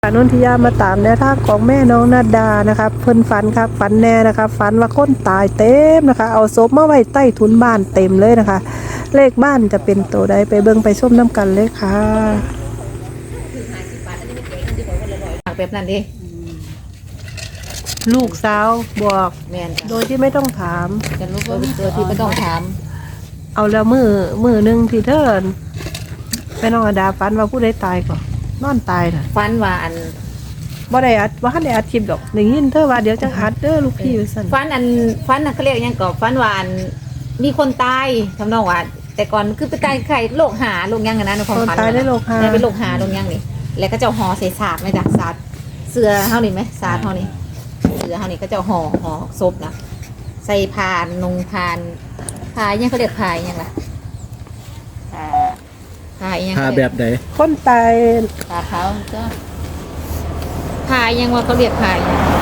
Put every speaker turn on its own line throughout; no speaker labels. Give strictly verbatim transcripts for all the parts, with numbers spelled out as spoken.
นนทิยามาตามแนวทางของแม่น้องนาดานะคะเพิ่นฝันครับฝันแน่นะคะฝันว่าคนตายเต็มนะคะเอาศพมาไว้ใต้ถุนบ้านเต็มเลยนะคะเลขบ้านจะเป็นตัวใดไปเบิ่งไปชมน้ำกันเลยค่ะ
แบบนั้นดิ
ลูกสาวบอก
แม่น
โดยที่ไม่ต้องถาม
จะรู้ว่าโดยที่ไม่ต้องถาม
เอาแล้วมือมือหนึ่งที่เธอแม่น้องนาดาฝันว่าผู้ใดตายก่อนนอนตายน่ะ
ฟันว่าอัน
บ่ได้อัดว่าได้อัดคลิปดอกได้ยินเธอว่าเดี๋ยวจังอัดเด้อลูกพี่ว่าซั่น
ฟันอันฟันน่ะเขาเรียกยังก่อฟันว่าอันมีคนตายทำนองว่าแต่ก่อนคือไปตายไข้โรคหาโรคยังกันนะในความฝัน
ตายได้โรคหา
ได้เป็นโรคหาโรคยังนี่แล้วก็เจ้าห่อใส่ศาสตร์ไหมจ๊ะศาสตร์เสือเฮานี่ไหมศาสตร์เฮานี่เสือเฮานี่ก็เจ้าห่อห่อศพนะใส่พานนงพานพายยังเขาเรียกพายยังล่ะพายยัง
พาแบบไหน
คนตาย
พาเขาก็พายยังว่าเขาเรียกพาย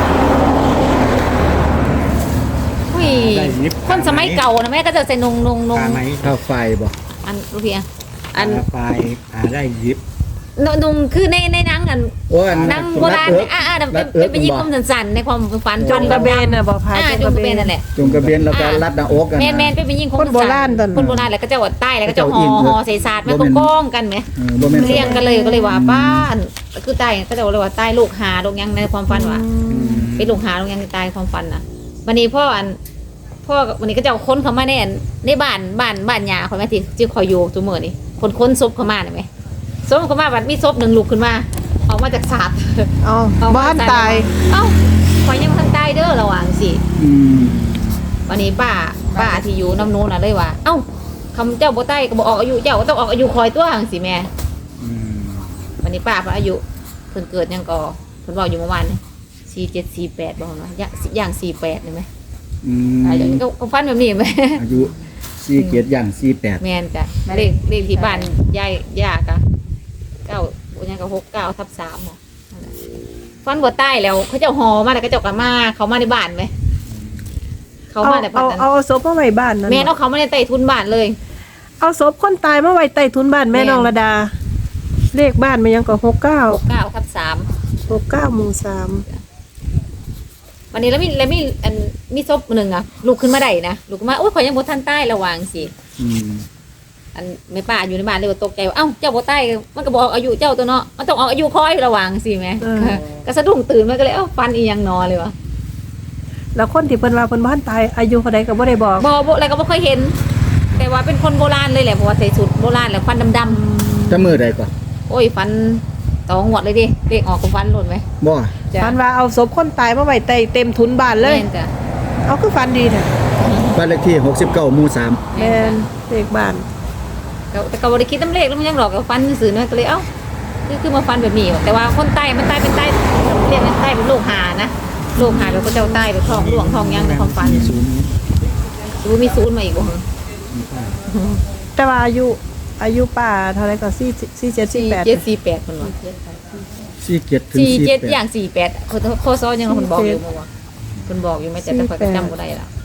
อุ้ยคนสมัยเก่านะแม่ก็จะใส่นงนงนง
ข้าวไฟบอก
อันรู้เพียงอัน
ไฟหาได้ยิบ
นงคือในในนังอันนังโบราณอ่าอ่าเป็นเป็นยิงคมสันๆในความฝัน
จงกระเบนน่ะบอกพาย
จงกระเบนนั่นแหละ
จงกระเบนแล้วก็รัดหน้าอกกัน
แมนแมนเป็นยิงคม
คนโบราณตอน
คนโบราณแล้วก็จะวัดใต้แล้วก็จะห่อห่อใส่ศาสตร์ไม่โก้งกันไหมเรียงกันเลยก็เลยว่าบ้านคือใต้ก็จะเลยว่าใต้ลูกหาลูกยังในความฝันว่าเป็นลูกหาลูกยังใต้ความฝันน่ะวันนี้พ่ออันพ่อวันนี้ก็จะค้นเข้ามาในในบ้านบ้านบ้านยาคนแม่ที่ที่คอยอยู่ตัวเมื่อนี่คนค้นซบเข้ามาไหมซบเข้ามาบัดมีซบหนึ่งลุกขึ้นมาออกมาจากศาสตร์
อ๋อบ้านตาย
เอ้าคอยยังทันตายเด้อระหว่างสิวันนี้ป้าป้าที่อยู่น้ำนู้นน่ะเลยว่าเอ้าคำเจ้าบ่ใต้ก็บอกออกอายุเจ้าก็ต้องออกอายุคอยตัวห่างสิแม่วันนี้ป้าพออายุเพิ่นเกิดยังก่อเพิ่นบอกอยู่เมื่อวานสี่เจ็ดสี่แปดบอกว่าอย่างสี่แปดเห็นไหมอายุก็ฟันแบบนี้ไหม
อายุสี่เจ็ดอย่างสี่แปด
แม่นจ้ะเลขเลขที่บ้านยายยากะเก้ายังก็หกเก้าทับสามหรอฟันบ่ใต้แล้วเขาเจ้าหอมาแล้วก็เจ้ากลับมาเขามาในบ้านไหมเขามาแต่
เอาเอาศพมาไว้บ้านนั่น
แม่เอาเขามาในใต้ทุนบ้านเลย
เอาศพคนตายมาไว้ใต้ทุนบ้านแม่น้องระดาเลขบ้านมันยังก็หกเก้า
หกเก้าทับสาม
หกเก้าหมู่สาม
วันนี้แล้วมีแล้วมีอันมีศพหนึ่งอ่ะลุกขึ้นมาได้นะลุกขึ้นมาโอ้ยขอยังบ่ทันใต้ระวังสิอันไม่ป้าอยู่ในบ้านเลยว่าตกใจว่าเอ้าเจ้าบ่ใต้มันก็บอกอายุเจ้าตัวเนาะมันต้องออกอายุคอยระวังสิแม่ก็สะดุ้งตื่นมันก็เลยเอ้าฟันอีหยังนอเลยวะ
แล้วคนที่เพิ่นว่าเพิ่นบ้านตายอายุเท่าใดก็บ่ได้บอก
บ่บ่อะไรก็บ่เคยเห็นแต่ว่าเป็นคนโบราณเลยแหละเพราะว่าใส่สูทโบราณแล้วฟันดำ
ๆจะมือใดก่อน
โอ้ยฟันตองหมดเลยดิเด็กออกกับฟันหล่นไหม
บ่
ฟันว่าเอาศพคนตายมาไว้ใต้เต็มทุนบ้านเลยเอาคือฟันดีเนี่ย
บ้านเลขที่หกสิบเก้าหมู่สาม
แม่นเลขบ้าน
แต่ก็บริคิดน้ำเลขแล้วมันยังหลอกกับฟันสื่อเนี่ยก็เลยเอ้าคือคือมาฟันแบบนี้แต่ว่าคนใต้มันใต้เป็นใต้เรียกใต้เป็นโรคหานะโรคหาแล้วก็เจ้าใต้เป็นทองหลวงทองยังในความฟันดูมีศูนย์มาอีกบ่
แต่ว่าอายุอายุป้าเท่าไรก็สี่สี่เจ็ดสี่แปด
เจ็ดสี่แปดคนวะ
สี่เจ็ดถึง
สี่เจ็ดอย่างสี่แปดคนโคซ้อยังคนบอกอยู่มั้งวะคนบอกอยู่ไม่แต่แต่คอยจำก็ได้ละ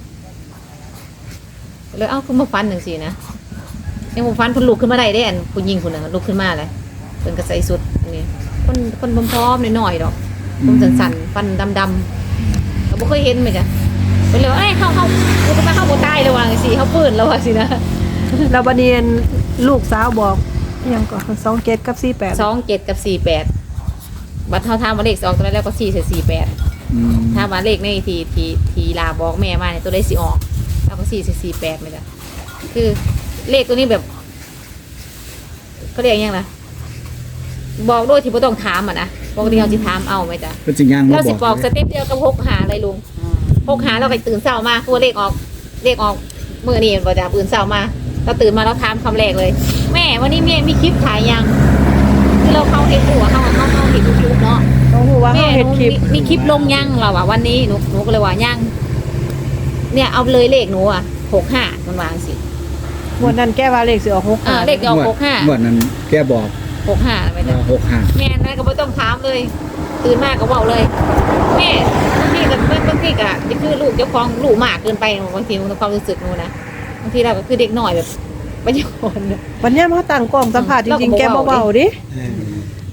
เลยเอ้าคุณมาฟันหนึ่งสี่นะยังผมฟันคนลุกขึ้นมาได้ได้อันคุณยิงคนหนึ่งลุกขึ้นมาเลยเป็นกระใสสุดนี่คนคนพร้อมๆหน่อยๆดอกผมสั่นๆฟันดำๆเราไม่เคยเห็นเหมือนกันไปเลยเอ้ยเข้าเข้าลุกขึ้นมาเข้าโบใต้ระวังสิเขาปืนระวังสินะ
เราบันเนียนลูกสาวบอกยังก่อนสองเจ็ดกับสี่แปด
สองเจ็ดกับสี่แปดบัตรเท่าทามมาเลขสองตัวแล้วก็สี่เศษสี่แปดถ้ามาเลขในทีทีทีลาบอกแม่มาเนี่ยตัวได้สี่ออกแล้วก็สี่เศษสี่แปดไหมจ๊ะคือเลขตัวนี้แบบเขาเรียกยังไงบอกโดยที่ไม่ต้องถามอ่ะนะปกติเราจะถามเอาไหมจ๊ะ
เป็นจริงยัง
เราสิบอกสเต็ปเดียวกับหกหาเลยลุงหกหาเราไปตื่นเช้ามาคือเลขออกเลขออกเมื่อนี่ก็จะตื่นเช้ามาเราตื่นมาเราถามคำแรกเลยแม่วันนี้แม่มีคลิปถ่ายยังคือเราเข้าเห็นหัวเข้าเข้าเข้าเห็นยูทูบเนาะแม่มีคลิปลงยังเราอ่ะวันนี้หนูหนูก็เลยว่ายังเนี่ยเอาเลยเลขหนูอ่ะหกห้ามันวางสิ
วันนั้นแก้ว่าเลขสิออกหก
ห้าเลขออกหกห้า
วันนั้นแกบอก
หกห้าไปนะ
หกห้า
แม่แม่ก็ไม่ต้องถามเลยตื่นมากก็บอกเลยแม่บางทีกับบางทีกับจะคือลูกเจ้าของลูกมากเกินไปบางทีมันความรู้สึกหนูนะบางทีเราก็คือเด็กหน่อยแบบปัญญาอ่อน
วันนี้มาตั้งกล้องสัมภาษณ์จริงๆแกเบาๆดิ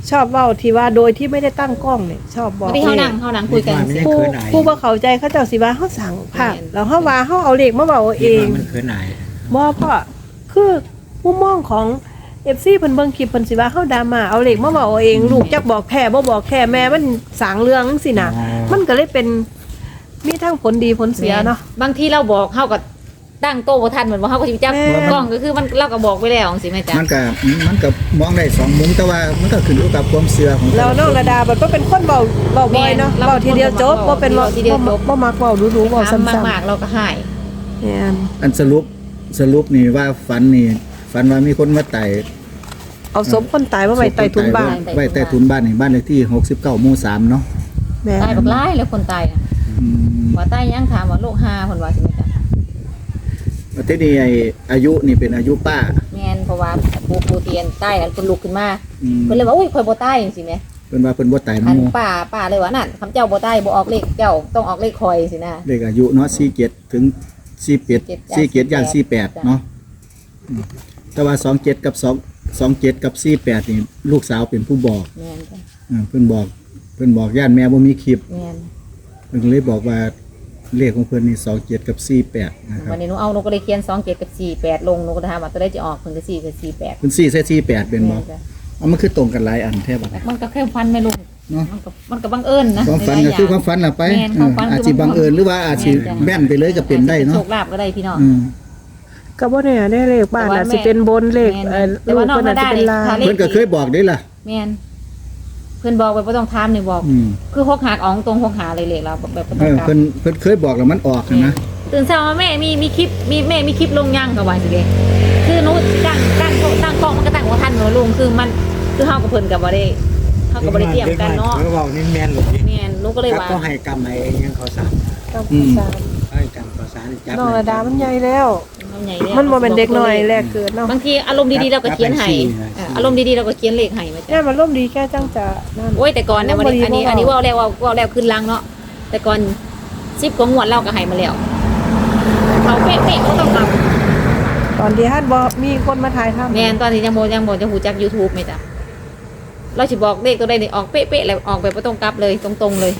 ชอบเว้าที่ว่าโดยที่ไม่ได้ตั้งกล้องเนี่ยชอบบอก
บางทีเขานั่งเขานั่งคุยกัน
ไม่
สิ
ได้
ผู้
เขินอาย
ผู้บ่เข้าใจเขาเจ้าสิว่าเฮาสั่งภาพ
แม่น
แล้วเฮาว่าเฮาเอาเลขมาเว้าเอ
คิด
ง
ว่ามันเขินอาย
บ่พ่อคือมุมมองของ เอฟ ซี เพิ่นเบิ่งคลิปเพิ่นสิว่าเฮาดราม่าเอาเลขมาเว้าเอาเองลูกจักบอกแท้บ่บอกแท้แม่มันสร้างเรื่องจังซี่น่ะมันก็เลยเป็นมีทั้งผลดีผลเสียเนาะ
บางทีเราบอกเขาก็ตั้งโต๊ะบ่ทันเหมือนว่าเขาก็สิจับ
แม่
กล้องก็คือมันเราก็บอกไปแล้วจังซี่แม่จ๊ะ
มันก็มันก็มองได้สองมุมแต่ว่ามันก็ขึ้นอยู่กับความเชื่อของ
แล้วน้องระดาบัดบ่เป็นคนเว้าเว้าบ่อยเนาะเว้าทีเดียวจบบ่เป็นเว้าทีเดียวจบบ่มักเว้าดูๆเว้าซ้ำ
มากๆเราก็หาย
ๆแม่น
อันสรุปสรุปนี่ว่าฝันนี่ฝันว่ามีคนมาไต่
เอาศพคนตายมาไว้ใต้ถุนบ้าน
ไว้ใต้ถุนบ้านนี่บ้านเลขที่หกสิบเก้าหมู่สามเนาะ
แม่
ตายบักหลายแล้วคนตายน่ะ
อืม
ว่าตายยังถามว่าโรคหาเพิ่นว่าสิแม่จ๊ะ
ประเทศนี้ไอ้อายุนี่เป็นอายุป้า
แม่นเพราะว่าปูปูเตียนตายแล้วเพิ่นลุกขึ้นมา
อืม
เพิ่นเลยว่าอุ้ยข่อยบ่ตายจังซี่แหม
เพิ่นว่าเพิ่นบ่ตาย
อั
น้ำ
น
หมู่
ป้าป้าเลยว่านั่นคำเจ้าบ่ตายบ่ออกเลขเจ้าต้องออกเลขคอยสินะ
เลขอายุเนาะสี่เจ็ดถึงสี่แปด สี่เจ็ดย่างสี่แปดเนาะอืมแต่ว่าสองเจ็ดกับสองสองเจ็ดกับสี่แปดนี่ลูกสาวเป็นผู้บอก
แม่นจ้ะ
อ่าเพิ่นบอกเพิ่นบอกย่านแม่บ่มีคลิป
แม่น
เพิ่นก็เลยบอกว่าเลขของเพิ่นนี่สองเจ็ดกับสี่แปดนะครับ
วันนี้หนูเอาหนูก็เลยเขียนสองเจ็ดกับสี่แปดลงหนูก็ถามว่าตัวได้จะออกเพิ่นก็สี่กับสี่แปด
เพิ่นสี่ใส่สี่แปดเป็นบ่
แม่นจ้ะ
เอามันคือตรงกันหลายอันแท้บ่
มันก็แค่ฟันไม่ลง
เนาะ
มันก็มันก็บังเอิญนะ
ความฝัน
ห
ก็
ลายๆ
คือค
ย่
วามฝันล่ะไป
แม่นความฝัน
เอออาจ
คือ
สิบังเอิญหรือว่าอาจสิ
แม่นจ้ะ
แม่นไปเลยก็เป็นได้เนาะ
โชคลาภก็ได้พี่น้อง
อืม
ก็บ่แน่ได้เลขบ้าน
แต่
น่ะ
ว่า
สิเป็นบนเลข
แม่น
เอ่อ
แต่
ลู
ว่าก นอก
เพิ่นน่ะสิเป็นลา
มาได้
ง
นี่
เพิ่นก็เคยบอกได้ล่ะ
แม่นเพิ่นบอกไปบ่ต้องถามนี่บอก
อืม
คือหกหากอองตรงหกหาเลยเลขเราแบบบ่
เอ
ต้อง
อก
ลับ
เพิ่นเพิ่นเคยบอกแล้วมันออกนะ
ตื่นเช้ามาแม่มีมีคลิปมีแม่มีคลิปลงยังก็ว่าสิเด้คือหนูตั้งตั้งตั้งกล้องมันก็ตั้งบ่ทันหนูลงคือมันคือเฮากับเพิ่นก็บ่ได้เฮาก็บ่ได้เตรียมกันเนาะ
เขาบอกนี่แม่นหลุดนี่
แม่นหนูก็เลย
ครับ
ว่า
ก็ให้กรรมให้ยังเขาสาร
กับ
อืม
สาม
ให้กรรมเขาสารจับ
น้องระดามันใหญ่แล้ว
มันใหญ่แล้ว
มันบ่เป็นเด็กน้อยแรกเกิดเนาะ
บางทีอารมณ์ดีๆเราก็เขียนให้เอออารมณ์ดีๆเราก็เขียนเลขให้มา
แม่
จ้ะ
มันร่มดีแค่จังจะนั่น
โอ้ยแต่ก่อนเนี่ยวันนี้อันนี้อันนี้ว่าแล้วว่าว่าแล้วขึ้นลังเนาะแต่ก่อนสิบกว่างวดเราก็ให้มาแล้วเขาเป๊ะๆเขาต้องท
ตอนที่ฮัดบ่มีคนมาถ่ายทำ
ำแม่นตอนนี้ยังโมยังโมจะหูจัก YouTube ไหมจ้ะเราสิบอกเลขตัวใดนี่ออกเป๊ะๆแล้วออกแบบบ่ต้องกลับเลยตรงๆเลย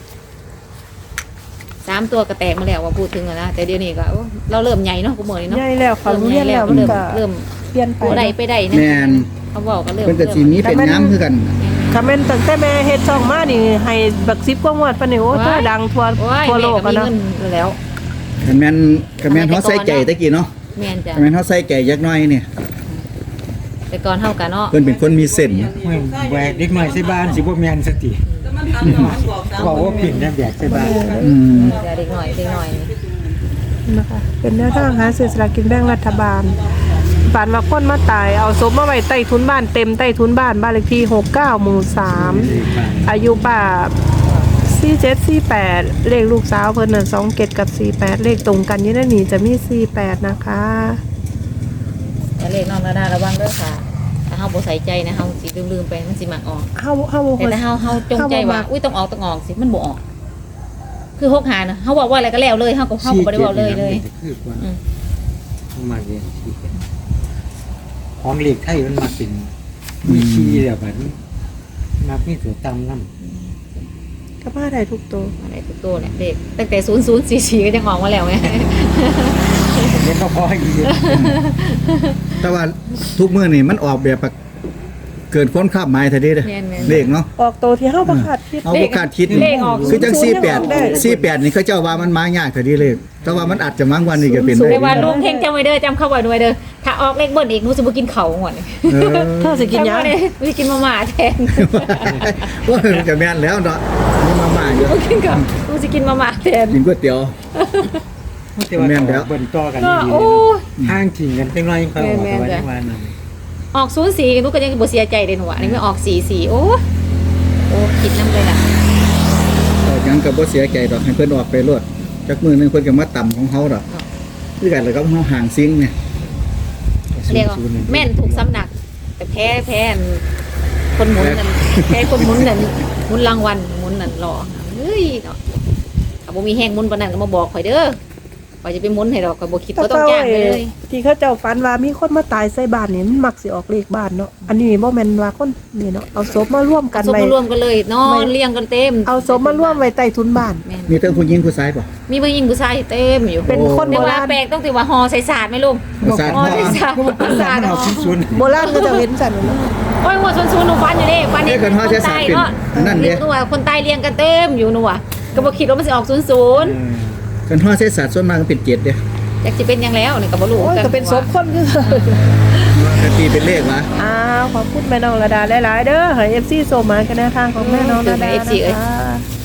สามตัวก็แตกมาแล้วว่าพูดถึงอะนะแต่เดี๋ยวนี้ก็โอ้เราเริ่มใหญ่เนาะกูเมื่อนี้เนาะ
ใหญ่แล้วเขา
เริ่ม
เรี
ให
ย
ญ่
น
แล้
แล้ว ว
เริ่
มัน
ม
ก็
เริ่ม
เปลี่ยนไป
ตัวใดไปได้นะ
แม่น
เขาบอกก็เริ่ม
เพิ่นก็สิมีเป็นน้ำคือกัน
คอมเมนต์ตั้งแต่แม่เฮ็ดช่องมานี่ให้บักสิบกว่างวดปานนี้โอ้ตัวดังทั่ว
โอ้ย
ทั่วโลก
แม่
อะ
ก็มี
เนาะ
เงินแล้ว
คันแม่นคันแม่นเฮาใส่ใจตะกี้เนาะ
แม่นจ้ะ
คันแม่นเฮาใส่ใจจักหน่อยเนี่ย
แต่ก่อนเท่ากันเนาะ
เพิ่นเป็นคนมีเส้น
ไม่แบกเด็กหน่อยใส่บ้านสิบ่แม่นสติบอกว่าปิ่นนะแบกใส่บ้าน
อืม
เดี๋ยวเด็กหน่อยเด็กหน่อยนี่
นะคะเป็นแนวทางหาซื้อสลากกินแบ่งรัฐบาลฝันว่าคนมาตายเอาศพมาไว้ใต้ถุนบ้านเต็มใต้ถุนบ้านบ้านเลขที่หกสิบเก้าหมู่สามอายุป้าสี่เจ็ดสี่แปดเลขลูกสาวเพิ่นน่ะสองเจ็ดกับสี่แปดเลขตรงกันอยู่ในนี้จะมีสี่แปดนะคะ
แต่เลขน้องนาดาระวังเด้อค่ะ ถ้าเฮาบ่ใส่ใจนะเฮาสิลืมๆไปมันสิมักออก
เฮาเฮาบ่
แต่
ค่อย
ถ้าเฮาเฮาจงใจว่าอุ้ยต้องออกต้องออกสิมันบ่ออก คือหกหานะเฮาบอกว่าอะไรก็แล้วเลยเฮาก็เฮาก็บ่ได้เว้าเลยเลย
คือกว่า
อืม
มาเรียนที่ของเหล็กไทยมันมาเป็นวิธีแบบนั้นมามีตัวตำน้ำ
ก็มาได้ทุกตัว
อะไรทุกตัวเนี่ยเลขตั้งแต่ศูนย์ศูนย์สี่สี่ก็ยังออกมาแล้วไง
เล่นก็พออีก
แต่ว่าทุกมื้อนี่มันออกแบบเกินความคาดหมายแท้เด้เด้อ
แม่นๆ
เลขเนาะ
ออกตัวที่เฮาบ่คาดคิด
เอาบ่คาดคิด
เลขออก
คือจัง
ศูนย์ยังออกได้
สี่แปด สี่แปดนี่เขาเจ้าว่ามันมายากแท้เดีเลขแต่ว่ามันอาจจะมางวันนี้ก็เป็นได้
แต่ว่าลุงเฮงจำไว้เด้อจำเข้าไว้ด้วยเด้อถ้าออกเลขเบิ้ลอีกหนูสิบ่กินข้าวหมด
เออ
เธอสิกินหยัง
จำไว้เด้อหนูสิกินมาม่าแทน
ว่ามันจะแม่นแล้วเนาะนี่มาม่าอยู่
บ่กินข้าวหนูสิกินมาม่าแทน
กินก๋วยเตี๋ยว
แต่ว่า
แม่นแล้ว
เบิ่นต่อกัน
ก็
ดี
โอ้ย
ห้างกิ่งกันเป็นไรค่อยออก
แม่นๆ
ตัว
จ้ะ
นี้ว่านั่น
ออกศูนย์สี่หนูก็ยังบ่เสียใจเลยหนูอ่ะอันนี้ไม่ออกสี่สี่โอ้ยโอ้คิดน้ำเลยล่ะ
เออยังก็บ่เสียใจดอกให้เพิ่นออกไปโลดจักมื้อหนึงเพิ่นก็มาต่ำของเฮาดอกคือกันแล้วก็เฮาห่างซิงเนี่ย
เรียกว่าแม่นถูกสำนัก แต่แพ้แพ้อันคนหมุนนั่นแพ้คนหมุนนั่นหมุนรางวัลหมุนนั่นรอเฮ้ยเนาะถ้าบ่มีแห้งหมุนปานนั้นก็มาบอกข่อยเด้อว่าจะไปหมุนให้ดอกก็บ่คิดบ่ต้องจ้างไปเลย
ที่เขาเจ้าฝันว่ามีคนมาตายใส่บ้านนี่มันมักสิออกเลขบ้านเนาะอันนี้บ่แม่นว่าคนนี่เนาะเอาศพมาร่วมกัน
ศพ
ไว้
มารวมกันเลยนอนเรียงกันเต็ม
เอาศพมาร่วมไว้ใต้ทุนบ้าน
แม่น
มีทั้งผู้หญิงผู้ชายป่ะ
มีผู้หญิงผู้ชายเต็มอยู่
เป็นคน
แต่
โบ
ว่า
ราณ
แปลกต้องติว่าห่อใส่ศาสตร์ไหมลุง
ผู้ชาย
ห่อใส่ศาสตร์
มัน
ศาสตร์
เอาชิ้น
โบราณก็จะเว้นสันเนาะ
โอ้ยหัวซุนๆหนูฟันอยู่ดิฟัน
เอ้ยกันห่อใส่ศาสตร์เป็น
เนาะ
นั่นเด้
หนูว่าคนตายเรียงกันเต็มอยู่หนูว่าก็บ่คิดว่ามันสิออกศูนย์ศูนย์
กันห่อเศษศาสตร์ส่วนมากก็เป็นเจ็ดเด้
อยากสิเป็นหยังแล้วนี่ก็บ่รู้
โอ้ยก็เป็นศพคนคือ
กตีเป็นเลขวะ
อ้าวขอบคุณแม่น้องระดาหลายๆเด้อให้ เอฟ ซี โซมากันแนวทางของแม่น้องระดานะคะ